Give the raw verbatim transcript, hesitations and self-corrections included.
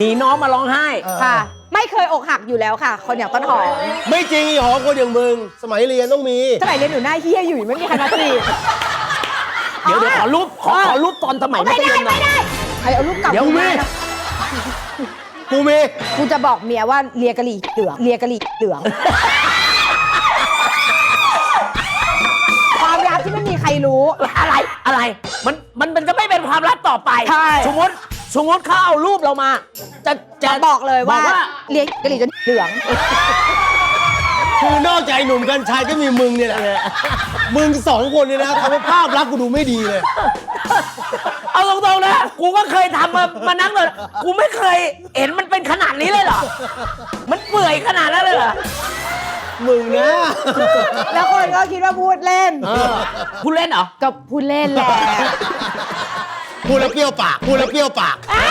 หนีน้องมาร้องไห้ค่ะ ไม่เคยอกหักอยู่แล้วค่ะ คนอย่างต้นหอมไม่จริงอีหอมคนอย่างมึง สมัยเรียนต้องมีสมัยเรียนหนูหน้าเฮี้ยอยู่ไม่มีใครมาจีบเดี๋ยวเดี๋ยวขอรูปขอขอรูปตอนสมัยมัไม่ธยได้มหน่ไม่อยได้ใครเอารูปเก่าเดี๋ยวกูมีมานะกูมีกูจะบอกเมียว่าเลียกะหรี่เหลืองเลียกะหรี่เหลือง ความลับที่ไม่มีใครรู้อะไรอะไรมันมันมันจะไม่เป็นความลับต่อไปใช่สมมติสมมติเขาเอารูปเรามา จะจะจะบอกเลยว่าบอกว่าเลียกะหรี่จนเหลืองคือนอกจากไอ้หนุ่มกัญชัยก็มีมึงเนี่ยแหละมึงสองคนเนี่ยนะทำให้ภาพลักษณ์กูดูไม่ดีเลยเอาตรงๆนะกูก็เคยทำมามานั่งเลยกูไม่เคยเห็นมันเป็นขนาดนี้เลยเหรอมันเปื่อยขนาดนั้นเลยเหรอมึงนะแล้วคนก็คิดว่าพูดเล่นเออพูดเล่นเหรอก็พูดเล่นแหละพูดแล้วเปรี้ยวปาก พูดแล้วเปรี้ยวปากอ้า